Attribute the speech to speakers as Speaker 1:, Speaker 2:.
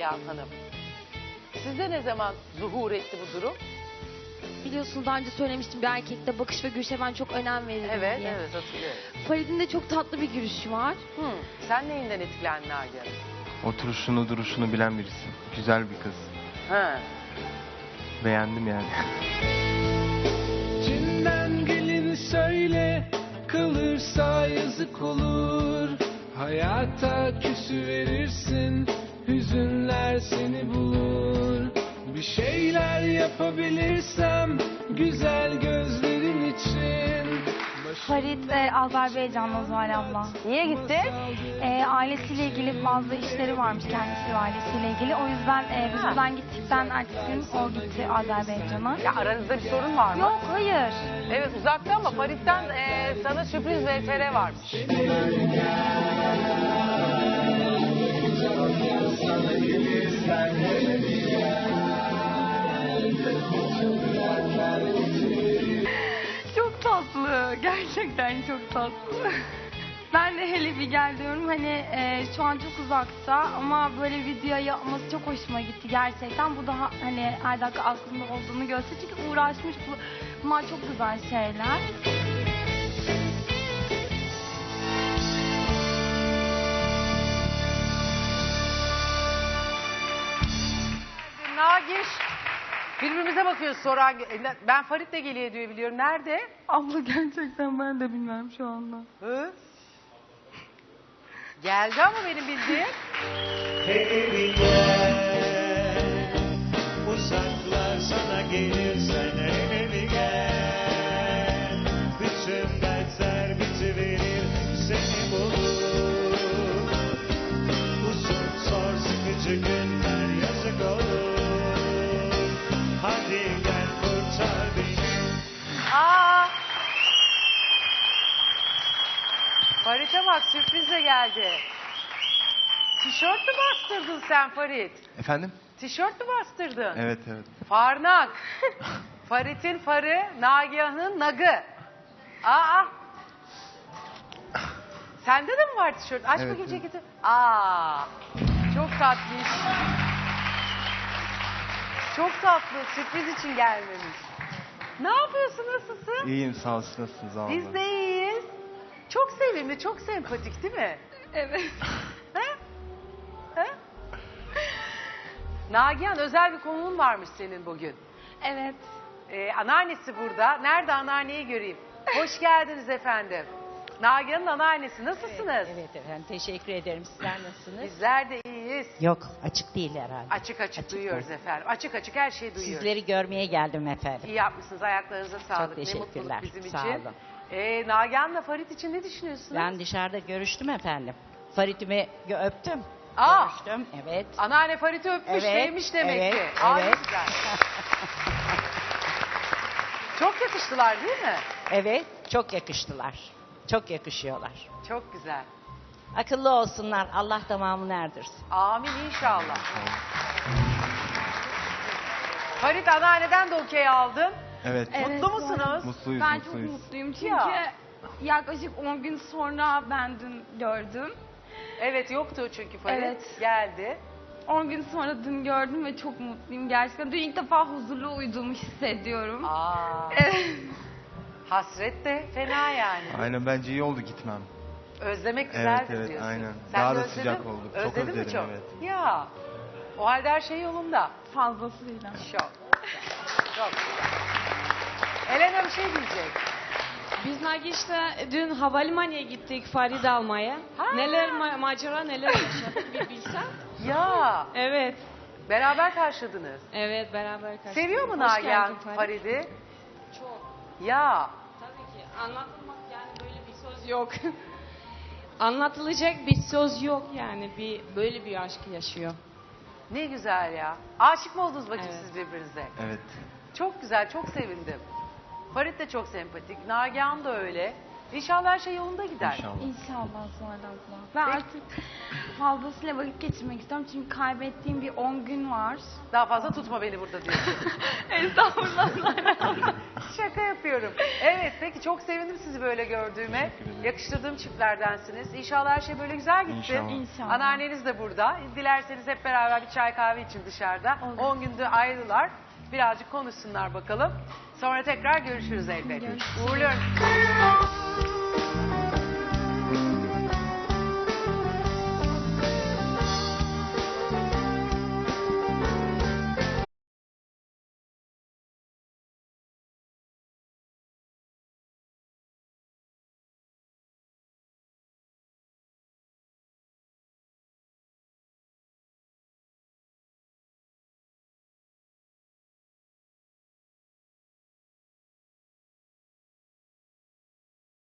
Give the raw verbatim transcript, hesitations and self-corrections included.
Speaker 1: Nagihan Hanım. Sizde ne zaman zuhur etti bu durum?
Speaker 2: Biliyorsunuz daha önce söylemiştim, bir erkekte bakış ve gülüşe ben çok önem veririm
Speaker 1: Evet,
Speaker 2: diye.
Speaker 1: evet hatırlıyorum.
Speaker 2: Farid'in de çok tatlı bir gülüşü var.
Speaker 1: Hmm. Sen neyinden etkilendin Nagihan?
Speaker 3: Oturuşunu, duruşunu bilen birisi. Güzel bir kız.
Speaker 1: Ha.
Speaker 3: Beğendim yani.
Speaker 4: Cinden gelin söyle, kalırsa yazık olur. Hayata küsü verirsin, hüzünler seni bulur. Bir şeyler yapabilirsem, güzel gözlerin için.
Speaker 5: Farid e, Azerbaycan'da Zuhal abla.
Speaker 1: Niye gitti?
Speaker 5: E, ailesiyle ilgili bazı işleri varmış kendisi ve ailesiyle ilgili. O yüzden e, biz
Speaker 1: Ha.
Speaker 5: buradan gittikten ertesi gün o gitti Azerbaycan'a.
Speaker 1: Ya aranızda bir sorun var mı?
Speaker 5: Yok, hayır.
Speaker 1: Evet uzakta ama Farid'den e, sana sürpriz V T R varmış.
Speaker 5: Çok tatlı. Gerçekten çok tatlı. Ben de hele bir gel diyorum. Hani e, şu an çok uzakta ama böyle video yapması çok hoşuma gitti gerçekten. Bu daha hani her dakika aklında olduğunu gösteriyor. Çünkü uğraşmış. Bu, bunlar çok güzel şeyler.
Speaker 1: Nagiş. Birbirimize bakıyoruz sonra. Ben Farid de geliyor diye biliyorum. Nerede?
Speaker 5: Abla gerçekten ben de bilmiyorum şu anda.
Speaker 1: Hı? Geldi ama benim bildiğim.
Speaker 6: Hele gel, uzaklar sana gelirsen hele bir gel. Bütün dertler bitiverir, seni bulur. Uzun zor sıkıcı günler yazık olur. Hadi gel kurtar beni.
Speaker 1: Aa! Farid'e bak sürprizle geldi. Tişört mü bastırdın sen Farid?
Speaker 3: Efendim?
Speaker 1: Tişört mü bastırdın?
Speaker 3: Evet, evet.
Speaker 1: Farnak. Farid'in farı, Nagihan'ın nagı. Aa! Sende de mi var tişört? Aç
Speaker 3: Evet,
Speaker 1: bakayım
Speaker 3: evet.
Speaker 1: ceketi. Aa! Çok tatlış. Çok tatlı. Sürpriz için gelmemiş. Ne yapıyorsun? Nasılsın?
Speaker 3: İyiyim, sağ olsun. Nasılsınız abla?
Speaker 1: Biz de iyiyiz. Çok sevimli, çok sempatik değil mi?
Speaker 5: Evet.
Speaker 1: He? He? Nagihan özel bir konuğun varmış senin bugün.
Speaker 5: Evet.
Speaker 1: Ee, anneannesi burada. Nerede anneanneyi göreyim? Hoş geldiniz efendim. Nagihan'ın anneannesi. Nasılsınız?
Speaker 7: Evet, evet efendim teşekkür ederim. Sizler nasılsınız?
Speaker 1: Bizler de iyiyiz.
Speaker 7: Yok açık değil herhalde.
Speaker 1: Açık açık,
Speaker 7: Açık
Speaker 1: duyuyoruz
Speaker 7: değil.
Speaker 1: efendim. Açık açık her şeyi duyuyoruz.
Speaker 7: Sizleri görmeye geldim efendim.
Speaker 1: İyi yapmışsınız. Ayaklarınıza sağlık. Ne
Speaker 7: teşekkürler.
Speaker 1: mutluluk bizim
Speaker 7: Sağ
Speaker 1: için.
Speaker 7: olun.
Speaker 1: Ee, Nagihan'la Farid için ne düşünüyorsunuz?
Speaker 7: Ben dışarıda görüştüm efendim. Farid'imi gö- öptüm.
Speaker 1: Aa!
Speaker 7: Görüştüm evet.
Speaker 1: Anneanne Farid'i öpmüş,
Speaker 7: Evet,
Speaker 1: sevmiş demek
Speaker 7: evet,
Speaker 1: ki. Aa, ne
Speaker 7: evet.
Speaker 1: güzel. Çok yakıştılar değil mi?
Speaker 7: Evet çok yakıştılar. Çok yakışıyorlar.
Speaker 1: Çok güzel.
Speaker 7: Akıllı olsunlar. Allah tamamını erdirsin.
Speaker 1: Amin inşallah. Farid anneanneden de okey aldın.
Speaker 3: Evet.
Speaker 5: Evet,
Speaker 1: Mutlu musunuz?
Speaker 3: Mutluyuz,
Speaker 5: Ben çok
Speaker 3: mutluyuz.
Speaker 5: mutluyum çünkü
Speaker 1: Ya.
Speaker 5: yaklaşık on gün sonra ben dün gördüm.
Speaker 1: Evet yoktu çünkü Farid.
Speaker 5: Evet.
Speaker 1: Geldi.
Speaker 5: on gün sonra dün gördüm ve çok mutluyum gerçekten. Dün ilk defa huzurlu uyuduğumu hissediyorum.
Speaker 1: Aa,
Speaker 5: Evet.
Speaker 1: hasret de fena yani.
Speaker 3: Aynen, bence iyi oldu gitmem.
Speaker 1: Özlemek güzeldir
Speaker 3: Evet, evet,
Speaker 1: diyorsun.
Speaker 3: aynen.
Speaker 1: Sen
Speaker 3: Daha
Speaker 1: de
Speaker 3: da
Speaker 1: özledin
Speaker 3: sıcak
Speaker 1: mi?
Speaker 3: olduk. Çok
Speaker 1: Özledin mi
Speaker 3: özledim,
Speaker 1: çok?
Speaker 3: evet.
Speaker 1: Ya. O halde her şey yolunda.
Speaker 5: Fazlasıyla.
Speaker 1: Çok. Çok güzel. Elena bir şey diyecek.
Speaker 8: Biz Nagiş'te dün havalimanına gittik Farid almaya.
Speaker 1: Ha.
Speaker 8: Neler ma- macera neler yaşadık bir bilsen.
Speaker 1: Ya.
Speaker 8: Evet.
Speaker 1: Beraber karşıladınız.
Speaker 8: Evet beraber kaçtık.
Speaker 1: Seviyor mu
Speaker 8: Hoş
Speaker 1: Nagihan
Speaker 8: geldin Farid.
Speaker 1: Farid'i?
Speaker 8: Çok.
Speaker 1: Ya.
Speaker 8: Tabii ki. Anlatılmak yani böyle bir söz yok. Anlatılacak bir söz yok yani. Bir böyle bir aşk yaşıyor.
Speaker 1: Ne güzel ya. Aşık mı oldunuz bakayım
Speaker 8: Evet.
Speaker 1: siz birbirinize?
Speaker 3: Evet.
Speaker 1: Çok güzel, çok sevindim. Farid de çok sempatik. Nagihan da öyle. İnşallah her şey yolunda gider.
Speaker 3: İnşallah.
Speaker 5: İnşallah Zuhal abla. Ben
Speaker 1: Peki.
Speaker 5: artık fazlasıyla vakit geçirmek istiyorum çünkü kaybettiğim bir on gün var.
Speaker 1: Daha fazla tutma beni burada diyorsun.
Speaker 5: Estağfurullah.
Speaker 1: Şaka yapıyorum. Evet peki çok sevindim sizi böyle gördüğüme.
Speaker 3: Teşekkür ederim.
Speaker 1: Yakıştırdığım çiftlerdensiniz. İnşallah her şey böyle güzel gitsin.
Speaker 3: İnşallah.
Speaker 5: İnşallah.
Speaker 1: Anneanneniz de burada. Dilerseniz hep beraber bir çay kahve için dışarıda.
Speaker 5: Olur.
Speaker 1: on günde ayrılar. Birazcık konuşsunlar bakalım. Sonra tekrar görüşürüz elbette.
Speaker 5: Görüşürüz.
Speaker 1: Uğurluyorum.